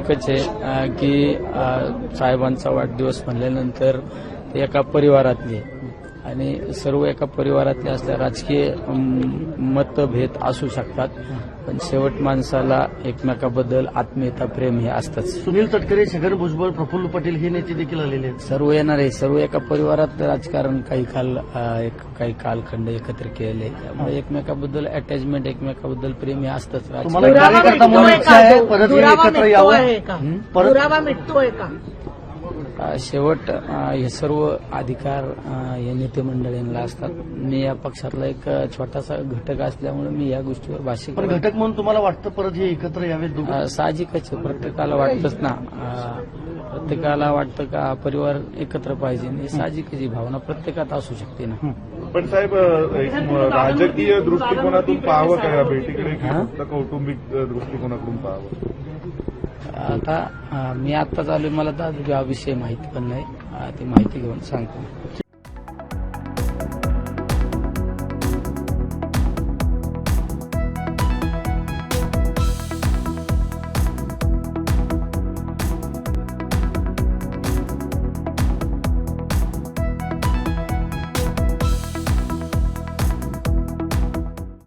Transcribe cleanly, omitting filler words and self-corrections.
एकच आहे की साहेबांचा वाढदिवस म्हणल्यानंतर ते एका परिवारातले आणि सर्व एका परिवारातले असल्या राजकीय मतभेद असू शकतात, पण शेवट माणसाला एकमेकाबद्दल आत्मीयता प्रेम हे असतंच. सुनील तटकरे, छगन भुजबळ, प्रफुल्ल पटेल हे नेते देखील आलेले आहेत. सर्व येणार आहे, सर्व एका परिवारात राजकारण काही कालखंड एकत्र केले, त्यामुळे एकमेकाबद्दल अटॅचमेंट, एकमेकाबद्दल प्रेम हे असतंच. तुम्हाला कार्यकर्ता म्हणून इच्छा आहे परत हे एकत्र यावं, पुरावा मिटतोय का? शेवट हे सर्व अधिकार या नेते मंडळींना असतात. मी या पक्षातला एक छोटासा घटक असल्यामुळे मी या गोष्टीवर भाष्य पण घटक म्हणून तुम्हाला वाटतं परत हे एकत्र यावेत? साहजिकच आहे, प्रत्येकाला वाटतंच ना. प्रत्येकाला वाटतं का परिवार एकत्र पाहिजे, ही साहजिकच ही भावना प्रत्येकात असू शकते ना. पण साहेब, राजकीय दृष्टिकोनातून पाहावं का या भेटीकडे, फक्त कौटुंबिक दृष्टिकोनातून पाहावं? आता मी आत्ताच आलोय, मला तर हा विषय माहिती पण नाही, ती माहिती घेऊन सांगतो.